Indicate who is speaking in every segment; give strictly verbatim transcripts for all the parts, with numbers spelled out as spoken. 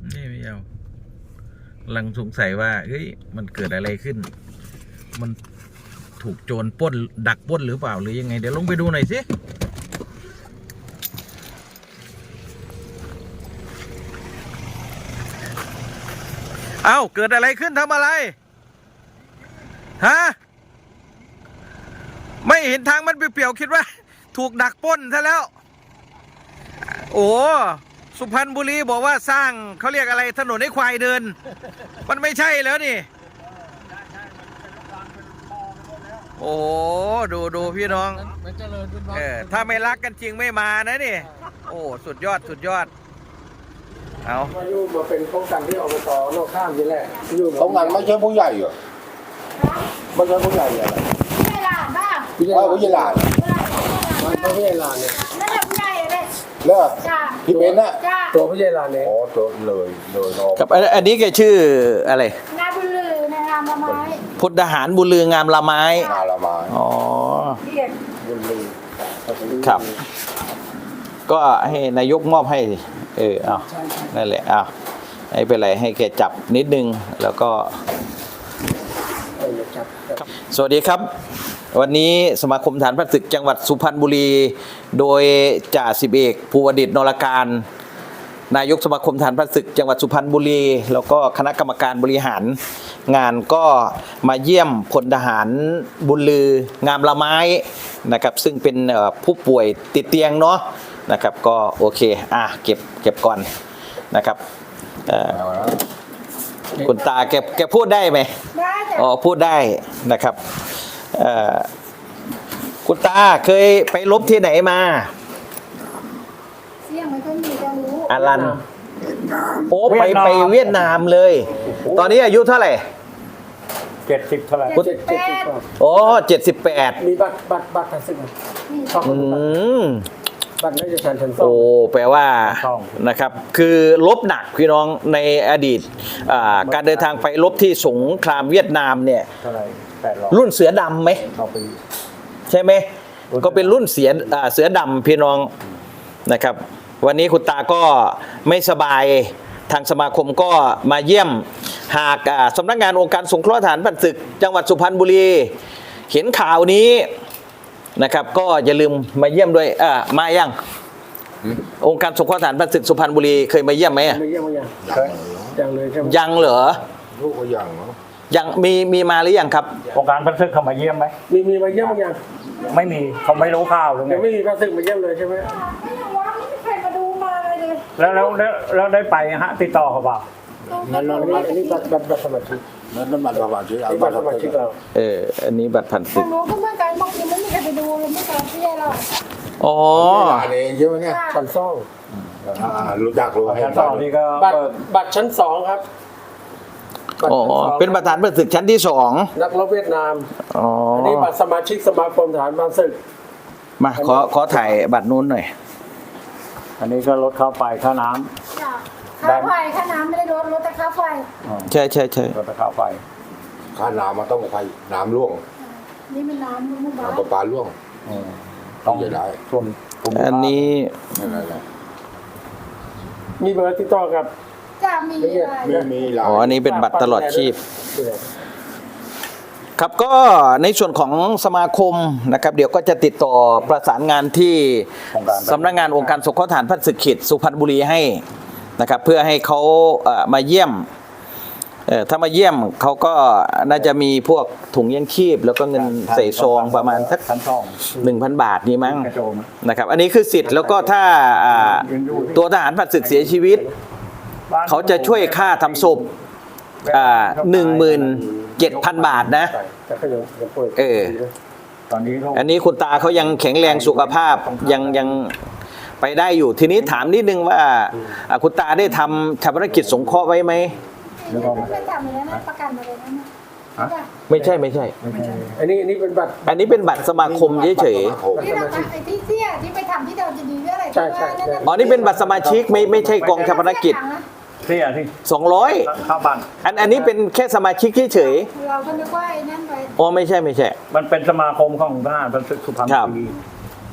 Speaker 1: นี่ไม่เอากำลังสงสัยว่าเฮ้ยมันเกิดอะไรขึ้น มันถูกโจรปล้นดักปล้นหรือเปล่าหรือยังไงเดี๋ยวลงไปดูหน่อยสิเอ้าเกิดอะไรขึ้นทำอะไรฮะไม่เห็นทางมันเปลี่ยวๆคิดว่าถูกดักปล้นซะแล้วโอ้สุพรรณบุรีบอกว่าสร้างเขาเรียกอะไรถนนให้ควายเดินมันไม่ใช่แล้วนี่โอ้ดูดูพี่น้องเออถ้าไม่รักกันจริงไม่มานะนี่โอ้สุดยอดสุดยอดเอา
Speaker 2: มาอยู่มาเป็นป้องกันที่อบตโลกข้ามนี่แหละอยู่
Speaker 3: ป้องกันไม่ใช่ผู้ใหญ่เหรอไม่ใช่ผู้ใหญ่เหรอ
Speaker 4: ผู้ใหญ่หลานบ้าง
Speaker 3: ผู้ใหญ่ผู้ใหญ่หลาน
Speaker 2: มันผู้ใหญ่ลานเนี่ย
Speaker 4: นั่นแหละผู้ใหญ่เลย
Speaker 3: เลิก
Speaker 4: จ้า
Speaker 3: พี่เบนน่ะ
Speaker 4: จ้า
Speaker 2: ตัวผู้ใหญ่ลานเนี่ย
Speaker 3: อ๋อตัวเลยเลยน้อง
Speaker 1: กับอันนี้แกชื่ออะไร
Speaker 4: นาบุลือในนามละไม้
Speaker 1: พลทหารบุญลืองามละไม้
Speaker 3: งานละไม้
Speaker 1: อ๋อ
Speaker 4: เรียก
Speaker 2: บุญลือ
Speaker 1: ครับ ก็ให้นายกมอบให้เออเอานั่นแหละเอาไม่เป็นไรให้แกจับนิดนึงแล้วก็สวัสดีครับวันนี้สมาคมฐานพระศึกจังหวัดสุพรรณบุรีโดยจ่าสิบเอกภูวดิษฐ์นรการนายกสมาคมฐานพระศึกจังหวัดสุพรรณบุรีแล้วก็คณะกรรมการบริหารงานก็มาเยี่ยมพลทหารบุญลืองามละไม้นะครับซึ่งเป็นผู้ป่วยติดเตียงเนาะนะครับก็โอเคอ่ะเก็บเก็บก่อนนะครับคุณตาแกแกพูดได้ไหม
Speaker 4: ได้แต่
Speaker 1: อ๋อพูดได้นะครับคุณตาเคยไปรบที่ไหนมา
Speaker 4: เสียงไม่ค่อยมีจะรู้
Speaker 1: อารันโอ้ไปไปเวียดนามเลย ตอนนี้อายุเท่าไหร่
Speaker 2: เจ็ดสิบเท่าไหร่
Speaker 4: เจ็ดสิบแปด
Speaker 1: โอ้เจ็ดสิบแปด
Speaker 2: มีบัตรบัตรบัตรทางศึก
Speaker 4: นี่
Speaker 2: ชอบ
Speaker 1: อืม
Speaker 2: บัตรราชการชั้นสอ
Speaker 1: โอ้
Speaker 2: ง
Speaker 1: แปลว่านะครับคือลบหนักพี่น้องในอดีตการเดินทางไปลบที่สงครามเวียดนามเนี่ย
Speaker 2: เท่าไหร่แปดร้อย
Speaker 1: รุ่นเสือดำไหม
Speaker 2: ต่อปี
Speaker 1: ใช่ไหมก็เป็นรุ่นเสือเสือดำพี่น้องนะครับวันนี้คุณตาก็ไม่สบายทางสมาคมก็มาเยี่ยมหากสำนักงานองค์การสงเคราะห์ทหารผ่านศึกจังหวัดสุพรรณบุรีเห็นข่าวนี้นะครับก็อย่าลืมมาเยี่ยมด้วยอ่ามายังองค์การสงเคราะห์ทหารผ่านศึกสุพรรณบุรีเคยมาเยี่ยมไหม
Speaker 2: ไม่เยี่ยมไม่ยังยังเลยใช่ไหม
Speaker 1: ยังเหรอ
Speaker 3: ลูกก็ยังเนาะ
Speaker 1: ยังมีมีมาหรือยังครับ
Speaker 5: องค์การพันศึกเขามาเยี่ยมไหม
Speaker 2: มีมีมาเยี่ยมไม่ยัง
Speaker 5: ไม่มีเขาไม่รู้ข่าวหรือไง
Speaker 2: ยังไม่มีพระศึกมาเยี่ยมเลยใช่ไหม
Speaker 4: ไม่ยังว่าไม่มีใครมาดูมาเลย
Speaker 5: แล้วแล้วแล้วแล้วได้ไปฮะติดต่อเขาเปล่า
Speaker 4: ตรง
Speaker 2: นั่
Speaker 4: นั้น น
Speaker 2: อันนี้บัตรบัตรบัตรสมาชิก
Speaker 3: นั่นนั่นบัตรประชาชน
Speaker 2: นี่บัตรสมาชิกเรา
Speaker 1: เอออันนี้บัตรผ่าน
Speaker 4: ตร
Speaker 1: ศึก
Speaker 4: งนู้นก็เหมื่อนกันบางทีไม่มีใครไปดูเลยไม่ตามพี่เรา
Speaker 1: อ๋อ
Speaker 3: หลานเองใช่ไหมเนี่ย
Speaker 2: ชั้นสอง
Speaker 3: อ่ารู้จักรู้
Speaker 5: ชั้นสองนี่ก็
Speaker 2: บัตร
Speaker 5: เปิด
Speaker 2: บัตรชั้นสองครับบัตร
Speaker 1: อ๋อ
Speaker 2: ชั้นสอง
Speaker 1: เป็นประธานผ่านศึกชั้นที่สอง
Speaker 2: นักรบเวียดนาม
Speaker 1: อ๋อ
Speaker 2: อันนี้บัตรสมาชิกสมาคมทหารผ่านศึก
Speaker 1: มาขอขอถ่ายบัตรนู้นหน่อย
Speaker 5: อันนี้ก็ลดค่าไฟค่าน้
Speaker 4: จ้ะค่าไฟค่าน้ำไม่ได้ลดลดแต่ค่าไฟ
Speaker 1: ใช่ใช่ใช่
Speaker 5: ำลดแต่ค่าไฟ
Speaker 3: ค่าน้ำมันต้องใครน้ำร่วง
Speaker 4: นี่มันน้ำมุกบ้า
Speaker 3: น้ำประปาร่วง
Speaker 5: ต้อง
Speaker 3: จะได้
Speaker 5: ส่วนกลุ่ม
Speaker 1: อันนี้
Speaker 3: นั่นแหละ
Speaker 2: มีเบอร์ติดต่อกับ
Speaker 4: จะมีอะไร
Speaker 3: ไม่มีหลาน
Speaker 1: อ๋ออันนี้เป็นบัตรตลอดชีพ ครับก็ในส่วนของสมาคมนะครับเดี๋ยวก็จะติดต่อประสานงานที่สำนักงานองค์การสงเคราะห์ทหารผ่านศึกเขตสุพรรณบุรีให้นะครับเพื่อให้เขาเอ่อมาเยี่ยมเอ่อถ้ามาเยี่ยมเขาก็น่าจะมีพวกถุงยังชีพแล้วก็เงินใส่ซองประมาณสัก
Speaker 5: ชั้นสอง
Speaker 1: หนึ่งพันบาทนี่มั้ง
Speaker 5: กระโจม
Speaker 1: นะครับอันนี้คือสิทธิ์แล้วก็ถ้าอ่าตัวทหารผ่านศึกเสียชีวิต เขาจะช่วยค่าทำศพอ่าหนึ่งหมื่นเจ็ดพันบาทนะ
Speaker 2: แต่ก็ยังยังป่วย
Speaker 1: เออ
Speaker 5: ตอนนี้เขา
Speaker 1: อันนี้คุณตาเขายังแข็งแรงสุขภาพยังยังไปได้อยู่ทีนี้ถามนิดนึงว่าอ่าคุณตาได้ทำชาปนกิจสงเคราะห์ไว้ไหม
Speaker 4: ไม่ทำเลยนะประกันมาเลยนะเนี่ย
Speaker 1: ไม่ใช่ไม่ใช่
Speaker 2: อันนี้อันนี้เป็นบัตร
Speaker 1: อันนี้เป็นบัตรสมาคมเฉย
Speaker 4: ที่เราทำไอ้ที่เสี้ยที่ไปทำที่เดิมจะดีเรื่องอะไร
Speaker 1: ๆอ๋อนี่เป็นบัตรสมาชิกไม่ไม่ใช่กองชาปนกิจ
Speaker 5: เสียที่
Speaker 1: สองร้อย
Speaker 5: ค่าบัตร
Speaker 1: อันอันนี้เป็นแค่สมาชิกเฉย
Speaker 4: เราก็นึกว่าไอ้นั่นไป
Speaker 1: ๆอ๋อไม่ใช่ไม่ใช่
Speaker 5: มันเป็นสมาคมของทหารพันศึกสุพรรณ
Speaker 1: ครับ
Speaker 5: บุรี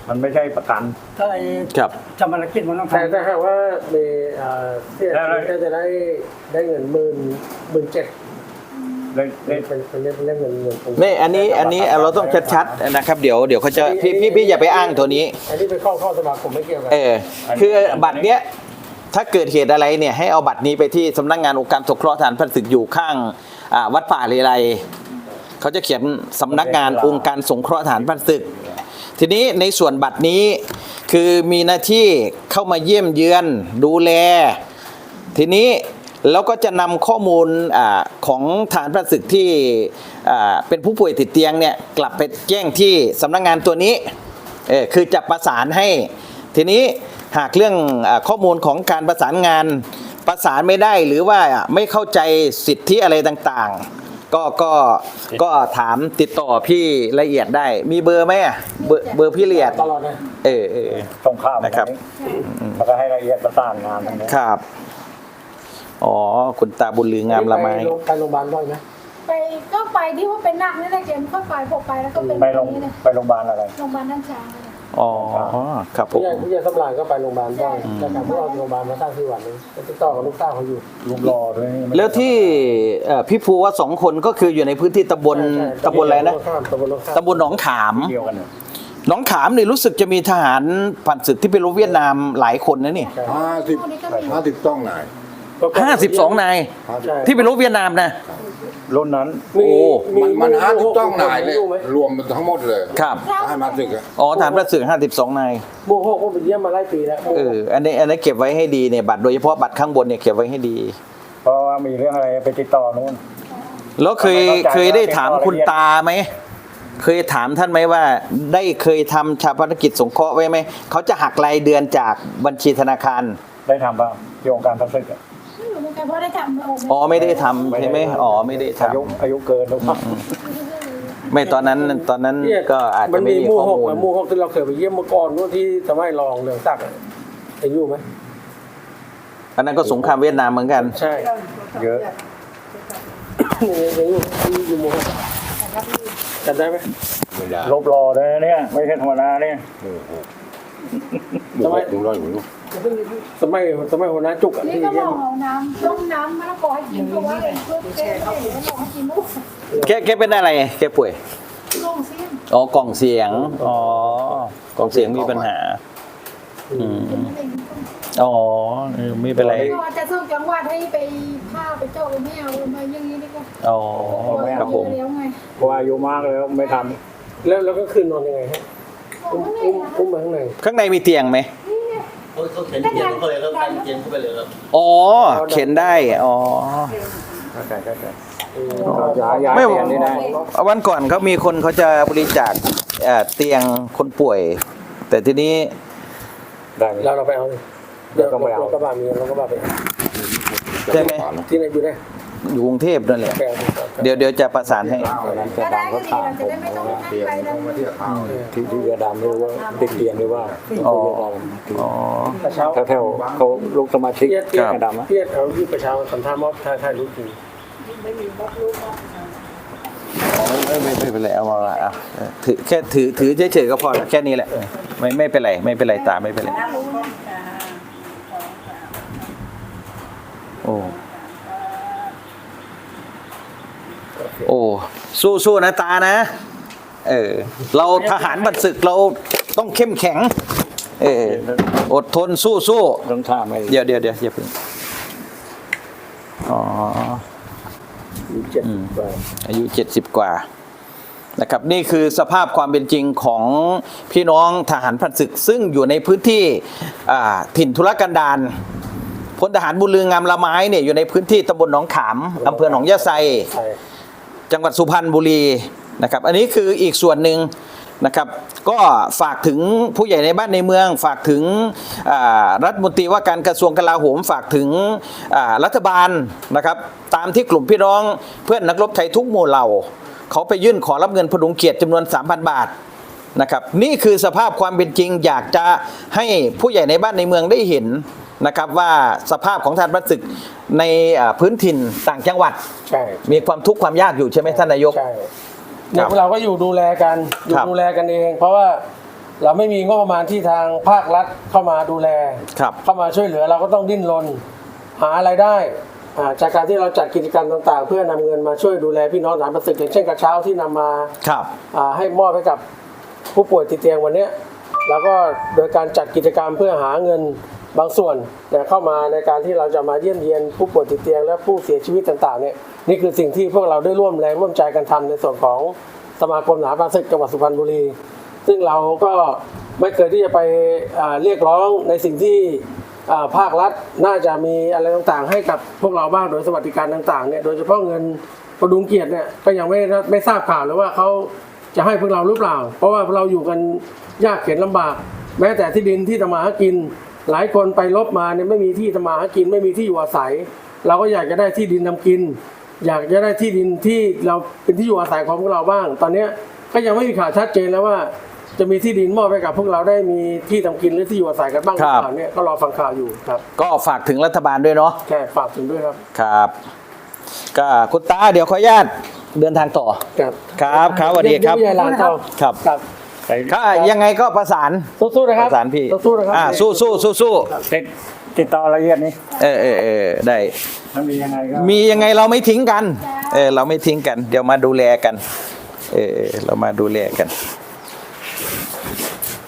Speaker 5: มันไม่ใช่ประกัน
Speaker 2: ถ้าไอ้
Speaker 1: ครับ
Speaker 2: ชำระกิจมันต้องแต่ถ้าหากว่ามีเอ่อเสียชีวิตก็จะได้ได้เงินหมื่นหมื่นเจ็ด
Speaker 5: ได้ได้
Speaker 2: เป็นเป็นเรื่องเรื่องเงินเงินตรง
Speaker 1: ไม่อันนี้อันนี้เราต้องชัดๆนะครับเดี๋ยวเดี๋ยวเขาจะพี่พี่พี่อย่าไปอ้างตัวนี้
Speaker 2: อันนี้เป็นข้อข้อสมาคมไม่เกี่ยวกัน
Speaker 1: เออคือบัตรเนี้ยถ้าเกิดเหตุอะไรเนี่ยให้เอาบัตรนี้ไปที่สำนักงานองค์การสงเคราะห์ทหารพรานศึกอยู่ข้างอ่าวัดป่าเลไลเขาจะเขียนสำนักงานองค์การสงเคราะห์ทหารพรานศึก ทีนี้ในส่วนบัตรนี้คือมีหน้าที่เข้ามาเยี่ยมเยือนดูแล ทีนี้แล้วก็จะนำข้อมูลอาของฐานพระศึกที่อ่าเป็นผู้ป่วยติดเตียงเนี่ยกลับไปแจ้งที่สำนักงานตัวนี้เออคือจะประสานให้ ทีนี้หากเรื่องอาข้อมูลของการประสานงานประสานไม่ได้หรือว่าไม่เข้าใจสิทธิอะไรต่างๆ ก็ก็ก็ถามติดต่อพี่ละเอียดได้ มีเบอร์ไหมอะเบอร์เบอร์พี่ละเอียด
Speaker 2: ตลอดนะ
Speaker 1: เออเออ
Speaker 5: ตรงข้าม
Speaker 1: นะครับ
Speaker 5: แล้วก็ให้ละเอียดประสานงานตรงนี้
Speaker 1: ครับอ๋อคุณตาบุญลืองามละไม
Speaker 2: ไปโรงไปโรงพยาบาลบ่อยไหม
Speaker 4: ไปก็ไปที่ว่าเป็นหนักนี่แหละเกมเข้าไปพอไปแล้วก็เป็น
Speaker 5: ไป
Speaker 4: แบ
Speaker 5: โร
Speaker 4: บ
Speaker 5: ง
Speaker 4: นี้เลย
Speaker 5: ไปโรงพยาบาลอะไร
Speaker 4: โรงพยาบาลด้านช้างเลย
Speaker 1: อ๋อครับผ
Speaker 2: ผู้
Speaker 1: ม
Speaker 2: ใหญ่ผู้ใหญ่สำรานก็ไปโรงพยาบาลบ่อยแต่การที่เราโรงพยาบาลมาสร้างที่วันนี้ก็ติดต่อกับลูกสาวเขาอยู่
Speaker 5: รูปรอด้วยนี่
Speaker 1: แล้วที่เอ่อพี่ภูว่าสองคนก็คืออยู่ในพื้นที่ตำบล
Speaker 2: ใช่ใช่
Speaker 1: ตำบลอะไรนะ
Speaker 2: ตำบลโลข้าม
Speaker 1: ตำบลหนองขาม
Speaker 5: เดียวกันเนี่ย
Speaker 1: หนองขามนี่รู้สึกจะมีทหารผ่านศึกที่ไปรบเวียดนามหลายคนนะนี่
Speaker 3: ห้าสิบห้าสิบต้องไหน
Speaker 1: ห้าสิบสองนาย
Speaker 2: ใช่
Speaker 1: ที่ไปรบเวียดนามนะ
Speaker 5: รุ่นนั้น
Speaker 2: มี
Speaker 1: โอ้
Speaker 3: มันมันห้าสิบต้องไหนเลย
Speaker 2: อยู่ไหม
Speaker 3: รวมทั้งหมดเลย
Speaker 1: ครับ
Speaker 3: ให้มาสึกอะ
Speaker 1: อ๋อทหารพระศึกห้าสิบสองนาย
Speaker 2: หมู่หกผมไปเยี่ยมมาหลายปีแล้ว
Speaker 1: เอออันนี้อันนี้เก็บไว้ให้ดีเนี่ยบัตรโดยเฉพาะบัตรข้างบนเนี่ยเก็บไว้ให้ดี
Speaker 5: เพราะว่ามีเรื่องอะไรไปติดต่อนู้น
Speaker 1: แล้วเคย
Speaker 5: ไม่เข้าใจ
Speaker 1: เคยได้ถาม
Speaker 5: ว่าเป็น
Speaker 1: คุณ
Speaker 5: ข้อละเอียด
Speaker 1: ตาไหมเคยถามท่านไหมว่า ได้เคยทำชาปนกิจสงเคราะห์ไว้ไหมเขาจะหักรายเดือนจากบัญชีธนาคาร
Speaker 5: ได้ทำบ้างโยงการทัศน์
Speaker 4: ไม่รู้เหมือนกันเพราะได้ทำโอ้
Speaker 1: อ๋อไม่ได้ทำใช่ไหมอ๋อไม่ได้ท
Speaker 5: อายุอายุเกินหรือเปล่า
Speaker 1: ำไม่ตอนนั้นตอนนั้น
Speaker 2: เนี่ย
Speaker 1: ก็อาจ
Speaker 2: มั
Speaker 1: จะ
Speaker 2: น
Speaker 1: ไม่
Speaker 2: มี
Speaker 1: มี
Speaker 2: หมู่
Speaker 1: ข้อ
Speaker 2: หก
Speaker 1: มูล
Speaker 2: อะหมู่หกที่เราเคยไปเยี่ยมเมื่อก่อนนู่นที่สมัยรองเรืองศักดิ์อะเห็นอยู่ไหม
Speaker 1: อันนั้นก็สงครามเวียดนามเหมือนกัน
Speaker 2: ใช่
Speaker 5: เยอะ
Speaker 2: ยังอยู่ที่อยู่หมู่หกจำได้ไหม
Speaker 3: ไม่ได้
Speaker 5: ลบรอด้วยนะเนี่ยไม่ใช่ธรรมดาเนี่ย
Speaker 3: หมู่หกหมู่หกดูร้อยอยู่ลูก
Speaker 2: สมัยสมัยหัวหน้าจุกอะ
Speaker 4: นี่
Speaker 2: ที่
Speaker 4: ก็บ
Speaker 2: เยี่ย
Speaker 4: อ
Speaker 2: ม
Speaker 4: กเอาน้ำต้มน้ำมะละกอให้กินเพราะว่าเองเพื่อแก้ได้หรือว่าบอกให้กินลูก
Speaker 1: แกแกเป็นอะไรแกป่วย
Speaker 4: ลงเสี้ยน
Speaker 1: อ๋อกล่องเสียงอ๋อกล่องเสียงมีปัญหาอืม
Speaker 4: เป็นอะไรอย่างนี้
Speaker 1: อ๋อเออไม่เป็นไร
Speaker 4: ก็อาจจะส่งจังหวัดให้ไปผ้าไปเจาะไปไม่เอามาอย่างนี้ดีกว่า
Speaker 1: อ๋อครับผม
Speaker 4: แล้วไง
Speaker 5: เพราะว่าอายุมากแล้วไม่ท
Speaker 2: แล้วแล้วก็คืนนอนยังไงฮะอุ้มอุ้มอุ้มมาข้างใน
Speaker 1: ข้างในมีเตียงไหม
Speaker 6: เขาเขาเข็นเตียงเข้าไปแล้วกันเตียงเข้าไปเลยครับ
Speaker 1: อ๋อเข็นได้อ๋อ
Speaker 5: ำเข้าใจเข้าใจย้ายย้าย
Speaker 1: ไม่
Speaker 5: เปลี่ยนนี่ได้
Speaker 1: วันก่อนเขามีคนเขาจะบริจาคเอ่อเตียงคนป่วย แต่ทีนี้
Speaker 5: ได้ไหม
Speaker 2: เราเราไปเอาเลยเดี๋ยวเราเราก็บามีเราก็บาไปเอา
Speaker 1: ใช่ไหม
Speaker 2: ที่ไหนอยู่ได้
Speaker 1: อยู่กรุงเทพนั่นแหละ
Speaker 2: ไปเอา
Speaker 1: เดี๋ยวเดี๋ยวจะประสานให้
Speaker 5: วันนั้นจะ
Speaker 4: ก็ได้
Speaker 5: ดำ
Speaker 4: ก็
Speaker 5: เขา
Speaker 4: ดี
Speaker 5: ถาม
Speaker 4: เราจะได้ไม่ต้องนั่งไปนั่ง
Speaker 3: มาเที่ยวข้าว
Speaker 5: ที่ที่จะดำหรือว่าติดเตียงหรือว่า
Speaker 1: อ๋อ
Speaker 5: ที่
Speaker 1: อ๋อ
Speaker 2: กระเช้า
Speaker 5: แถวแถวๆเขาลูกสมาชิก
Speaker 2: เพียรเพียร
Speaker 5: กระดำอะ
Speaker 2: เพียรเอาที่กระเช้าสัมภาษณ์มอบถ่ายถ่ายรูปจริง
Speaker 1: อ๋อไม่ไม่ไม่เป็นไรเอามาอ่ะเออถือแค่ถือถือเฉยๆก็พอแล้วแค่นี้แหละเออไม่ไม่เป็นไรไม่เป็นไรตาไม่เป็นไรโอ้โอ้สู้สู้นะตานะ เออเราทหารบัดศึกเราต้องเข้มแข็ง เอออดทนสู้สู้
Speaker 5: ต้องท่าไม่
Speaker 1: เดี๋ยวเดี๋ยวเดี๋ยวอย่าเพิ่งอ๋อ
Speaker 2: เจ็ด
Speaker 1: อืม
Speaker 2: กว่า
Speaker 1: อายุเจ็ดสิบกว่านะครับนี่คือสภาพความเป็นจริงของพี่น้องทหารพรานศึก ซึ่งอยู่ในพื้นที่อ่าถิ่นทุรกันดารพลทหารบุญลืองามละไม้เนี่ยอยู่ในพื้นที่ตำบลหนองขามอำเภอหนองยะไซ
Speaker 2: ใช่
Speaker 1: จังหวัดสุพรรณบุรีนะครับอันนี้คืออีกส่วนหนึ่งนะครับก็ฝากถึงผู้ใหญ่ในบ้านในเมือง ฝากถึงอ่ารัฐมนตรีว่าการกระทรวงกลาโหม ฝากถึงอ่ารัฐบาลนะครับตามที่กลุ่มพี่น้องเพื่อนนักรบไทยทุกหมู่เหล่าเขาไปยื่นขอรับเงินพดุงเกียรติจำนวน สามพัน บาทนะครับนี่คือสภาพความเป็นจริงอยากจะให้ผู้ใหญ่ในบ้านในเมืองได้เห็นนะครับว่าสภาพของทหารพรานศึกในอ่าพื้นถิ่นต่างจังหวัด
Speaker 2: ใช่
Speaker 1: มีความทุกข์ความยากอยู่ใช่ไหมท่านนายก
Speaker 2: ใช่เนี่ยพวกเราก็อยู่ดูแลกันอยู่
Speaker 1: ครับ
Speaker 2: ดูแลกันเอง เพราะว่าเราไม่มีงบประมาณที่ทางภาครัฐเข้ามาดูแล
Speaker 1: ครับ
Speaker 2: เข้ามาช่วยเหลือเราก็ต้องดิ้นรนหาไรายได้อ่าจากการที่เราจัดกิจกรรมต่างๆ เพื่อนำเงินมาช่วยดูแลพี่น้องฐานประสึกอย่างเช่นกระเช้าที่นำมา
Speaker 1: ครับ
Speaker 2: อ่าให้มอบให้กับผู้ป่วยติดเตียงวันเนี้ยแล้วก็โดยการจัดกิจกรรมเพื่อหาเงินบางส่วนเนี่ยเข้ามาในการที่เราจะมาเยี่ยมเยียนผู้ป่วยติดเตียงและผู้เสียชีวิตต่างๆเนี่ยนี่คือสิ่งที่พวกเราได้ร่วมแรงร่วมใจกันทำในส่วนของสมาคมทหารประสึกจังหวัดสุพรรณบุรีซึ่งเราก็ไม่เคยที่จะไปอ่าเรียกร้องในสิ่งที่อ่าภาครัฐน่าจะมีอะไรต่างๆ ให้กับพวกเราบ้างโดยสวัสดิการต่างๆเนี่ยโดยเฉพาะเงินประดุงเกียรติเนี่ยก็ยังไม่ไม่ทราบข่าวเลยว่าเขาจะให้พวกเราหรือเปล่า เพราะว่าเราอยู่กันยากเข็ญลำบาก แม้แต่ที่ดินที่ทำมาหากิน หลายคนไปลบมาเนี่ยไม่มีที่ทำมาหากินไม่มีที่อยู่อาศัย เราก็อยากจะได้ที่ดินทำกิน อยากจะได้ที่ดินที่เราเป็นที่อยู่อาศัยของพวกเราบ้าง ตอนนี้ก็ยังไม่มีข่าวชัดเจนแล้วว่า จะมีที่ดินมอบให้กับพวกเราได้มีที่ทำกินหรือที่อยู่อาศัยกันบ้างหรือเปล่าเนี่ยก็รอฟังข่าวอยู่ครับ
Speaker 1: ก็ฝากถึงรัฐบาลด้วยเนาะ
Speaker 2: แค่ฝากถึงด้วยครับ
Speaker 1: ครับก็คุณตาเดี๋ยวขออนุญาตเดินทางต่อ
Speaker 2: ครับ
Speaker 1: ครับครับสวัสดีครับ
Speaker 2: เยี่ยมเยี่ยมยายหลานเขา
Speaker 1: ครับ
Speaker 2: ครับ
Speaker 1: ถ้ายังไงก็ประสาน
Speaker 2: สู้ๆนะครับ
Speaker 1: ประสานพี่
Speaker 2: สู้ๆนะครับ
Speaker 1: อ่าสู้สู้สู้สู้
Speaker 5: ติดติดต่อละเอียดนี้
Speaker 1: เออเออเออได้
Speaker 5: ถ้ามียังไงก็
Speaker 1: มียังไงเราไม่ทิ้งกัน เออเราไม่ทิ้งกัน เดี๋ยวมาดูแลกัน เออเรามาดูแลกัน